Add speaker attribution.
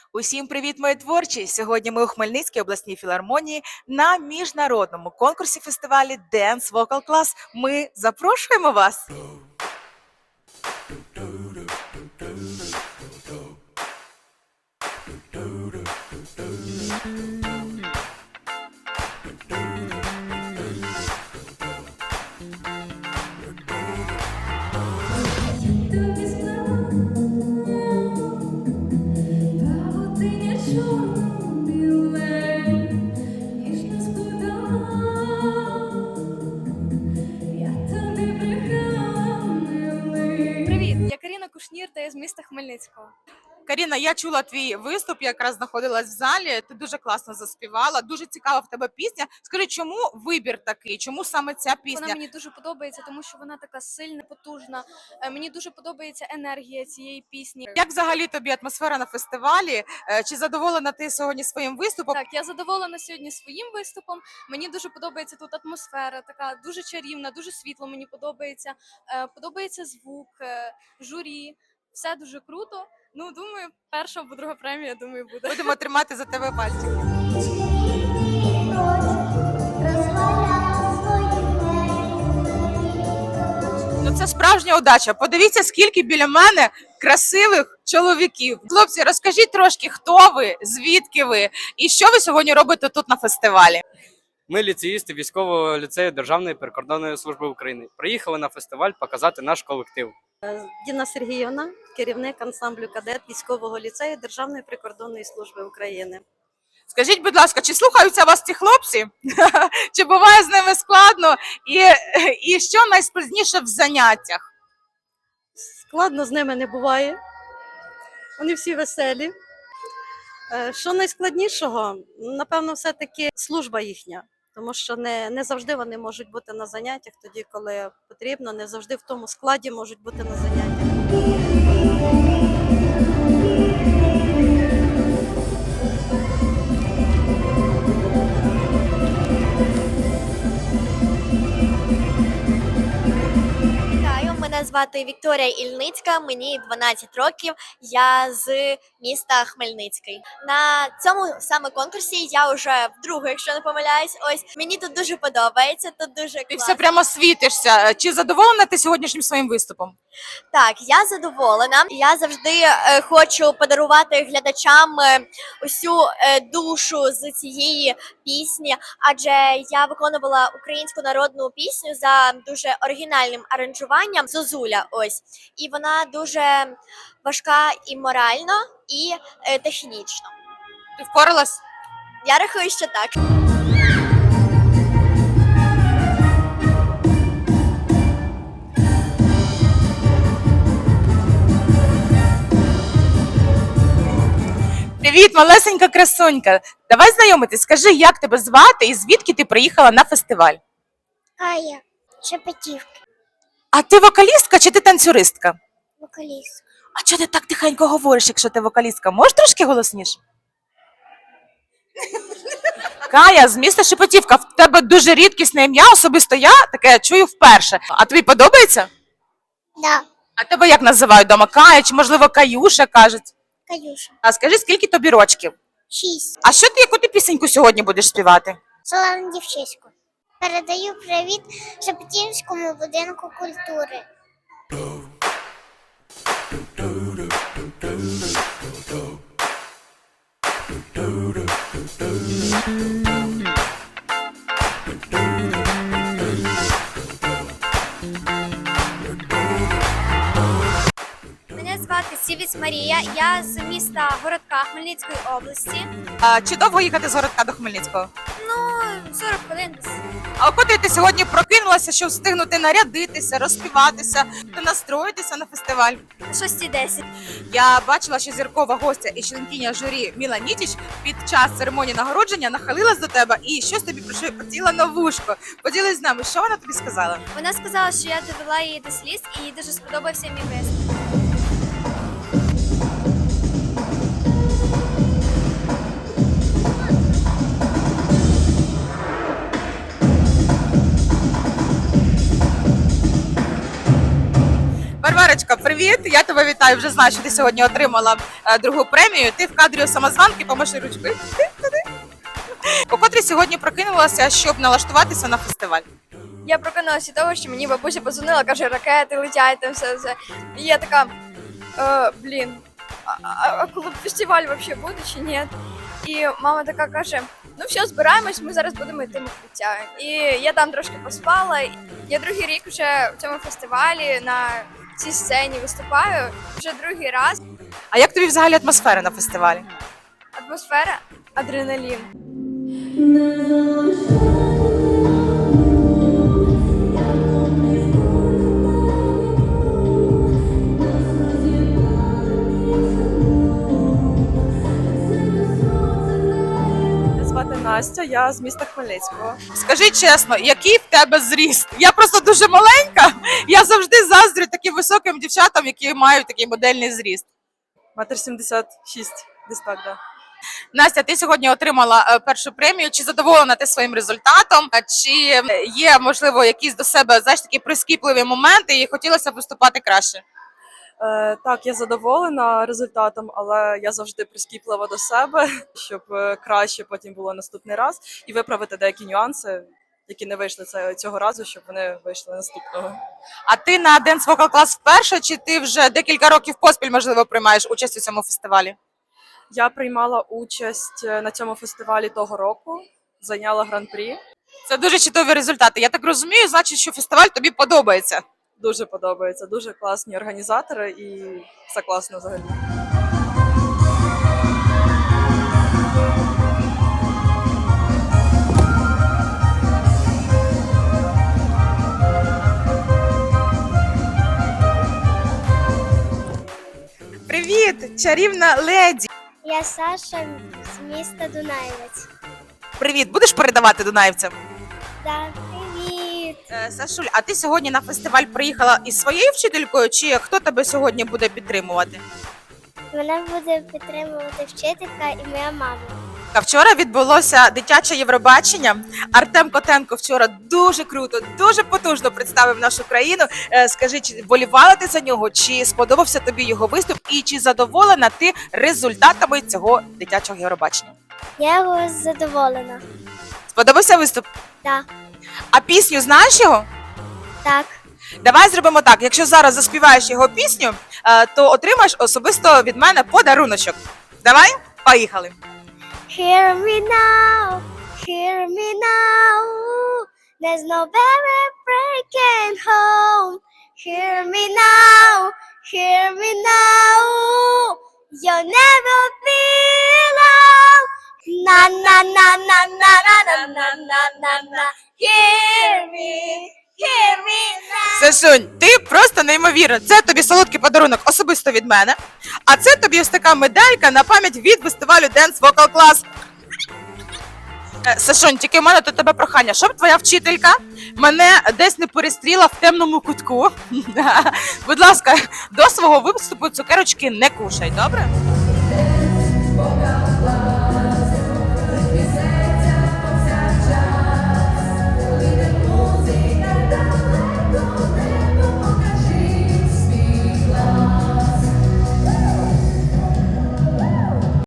Speaker 1: Усім привіт, мої творчі! Сьогодні ми у Хмельницькій обласній філармонії на міжнародному конкурсі фестивалі Dance Vocal Class. Ми запрошуємо вас!
Speaker 2: Привіт, я Каріна Кушнір та я з міста Хмельницького.
Speaker 1: Каріна, я чула твій виступ, я якраз знаходилась в залі. Ти дуже класно заспівала, дуже цікава в тебе пісня. Скажи, чому вибір такий? Чому саме ця пісня?
Speaker 2: Вона мені дуже подобається, тому що вона така сильна, потужна. Мені дуже подобається енергія цієї пісні.
Speaker 1: Як взагалі тобі атмосфера на фестивалі? Чи задоволена ти сьогодні своїм виступом?
Speaker 2: Так, я задоволена сьогодні своїм виступом. Мені дуже подобається тут атмосфера, така дуже чарівна, дуже світло. Мені подобається. Подобається звук, журі. Все дуже круто. Ну, думаю, перша або друга премія, думаю, буде.
Speaker 1: Будемо тримати за тебе пальчики. Ну, це справжня удача. Подивіться, скільки біля мене красивих чоловіків. Хлопці, розкажіть трошки, хто ви, звідки ви і що ви сьогодні робите тут на фестивалі?
Speaker 3: Ми ліцеїсти військового ліцею Державної прикордонної служби України. Приїхали на фестиваль показати наш колектив.
Speaker 4: Діна Сергіївна, керівник ансамблю кадет військового ліцею Державної прикордонної служби України.
Speaker 1: Скажіть, будь ласка, чи слухаються вас ці хлопці? Чи буває з ними складно? І що найскладніше в заняттях?
Speaker 4: Складно з ними не буває. Вони всі веселі. Що найскладнішого? Напевно, все-таки служба їхня. Тому що не завжди вони можуть бути на заняттях тоді, коли потрібно, не завжди в тому складі можуть бути на заняттях.
Speaker 5: Мене звати Вікторія Ільницька, мені 12 років, я з міста Хмельницький. На цьому саме конкурсі я вже вдруге, якщо не помиляюсь, ось мені тут дуже подобається, тут дуже класно.
Speaker 1: Ти все прямо світишся. Чи задоволена ти сьогоднішнім своїм виступом?
Speaker 5: Так, я задоволена. Я завжди хочу подарувати глядачам усю душу з цієї пісні, адже я виконувала українську народну пісню за дуже оригінальним аранжуванням «Зозуля». Ось, і вона дуже важка і морально, і технічно.
Speaker 1: Ти впоралась?
Speaker 5: Я рахую, що так.
Speaker 1: Привіт, малесенька красунька. Давай знайомитись. Скажи, як тебе звати і звідки ти приїхала на фестиваль?
Speaker 6: Кая, Шепетівка,
Speaker 1: А ти вокалістка чи ти танцюристка?
Speaker 6: вокаліст.
Speaker 1: А чого ти так тихенько говориш, якщо ти вокалістка? Можеш трошки голосніше? Кая, з міста Шепетівка. В тебе дуже рідкісне ім'я, особисто я таке чую вперше. А тобі подобається?
Speaker 6: Да,
Speaker 1: А тебе як називають вдома? Кая чи, можливо, Каюша кажуть?
Speaker 6: Каюша.
Speaker 1: А скажи, скільки тобі рочків?
Speaker 6: 6.
Speaker 1: А що ти, яку ти пісеньку сьогодні будеш співати?
Speaker 6: Солону дівчиську. Передаю привіт Шепетівському будинку культури.
Speaker 5: Мене звати Сівіць Марія, я з міста Городка Хмельницької області.
Speaker 1: А чи довго їхати з Городка до Хмельницького?
Speaker 5: Ну, 40 хвилин десь.
Speaker 1: А коли ти сьогодні прокинулася, щоб встигнути нарядитися, розспіватися та настроїтися на фестиваль?
Speaker 5: 6:10.
Speaker 1: Я бачила, що зіркова гостя і членкиня журі Міла Нітіч під час церемонії нагородження нахилилась до тебе і щось тобі прошепотіла на вушко. Поділись з нами, що вона тобі сказала?
Speaker 5: Вона сказала, що я довела її до сліз і їй дуже сподобався мій виступ.
Speaker 1: Варварочка, привіт! привіт! Я тебе вітаю. Вже знаю, що ти сьогодні отримала другу премію. Ти в кадрі у самозванки, помаши ручкою. У котрій сьогодні прокинулася, щоб налаштуватися на фестиваль.
Speaker 7: Я прокинулася від того, що мені бабуся подзвонила, каже, ракети летять, там все. І я така, блін, а коли фестиваль взагалі буде чи ні? І мама така каже, ну все, збираємось, ми зараз будемо йти в укриття. І я там трошки поспала. Я другий рік вже в цьому фестивалі на цій сцені виступаю, вже другий раз.
Speaker 1: А як тобі взагалі атмосфера на фестивалі?
Speaker 7: Атмосфера, адреналін.
Speaker 8: Мене звати Настя, я з міста Хмельницького.
Speaker 1: Скажи чесно, який в тебе зріст? Я просто дуже маленька. Я завжди заздрю таким високим дівчатам, які мають такий модельний зріст.
Speaker 8: 1,76 м, десь так, да.
Speaker 1: Настя, ти сьогодні отримала першу премію. Чи задоволена ти своїм результатом? Чи є, можливо, якісь до себе, знаєш, такі прискіпливі моменти і хотілося б виступати краще?
Speaker 8: Так, я задоволена результатом, але я завжди прискіплива до себе, щоб краще потім було наступний раз і виправити деякі нюанси, які не вийшли цього разу, щоб вони вийшли наступного.
Speaker 1: А ти на Dance Vocal Class вперше, чи ти вже декілька років поспіль, можливо, приймаєш участь у цьому фестивалі?
Speaker 8: Я приймала участь на цьому фестивалі того року, зайняла гран-прі.
Speaker 1: Це дуже чудові результати. Я так розумію, значить, що фестиваль тобі подобається.
Speaker 8: Дуже подобається, дуже класні організатори і все класно взагалі.
Speaker 1: Привіт, чарівна леді!
Speaker 6: Я Саша з міста Дунаєвець.
Speaker 1: Привіт, будеш передавати дунаївцям?
Speaker 6: Да, привіт!
Speaker 1: Сашуль, а ти сьогодні на фестиваль приїхала із своєю вчителькою, чи хто тебе сьогодні буде підтримувати?
Speaker 6: Мене буде підтримувати вчителька і моя мама.
Speaker 1: А вчора відбулося дитяче Євробачення. Артем Котенко вчора дуже круто, дуже потужно представив нашу країну. Скажи, чи вболівала ти за нього, чи сподобався тобі його виступ, і чи задоволена ти результатами цього дитячого Євробачення?
Speaker 6: Я його задоволена.
Speaker 1: Сподобався виступ?
Speaker 6: Так,
Speaker 1: А пісню знаєш його?
Speaker 6: так.
Speaker 1: Давай зробимо так. Якщо зараз заспіваєш його пісню, то отримаєш особисто від мене подаруночок. Давай, поїхали.
Speaker 6: Hear me now, hear me now. There's no better breaking home. Hear me now, hear me now. You'll never be alone. Na na na na na na na na na na na. Hear me now.
Speaker 1: Сашунь, ти просто неймовірна. Це тобі солодкий подарунок особисто від мене. А це тобі ось така медалька на пам'ять від фестивалю Dance Vocal Class. Сашунь, тільки в мене до тебе прохання, щоб твоя вчителька мене десь не перестріла в темному кутку. Будь ласка, до свого виступу цукерочки не кушай, добре?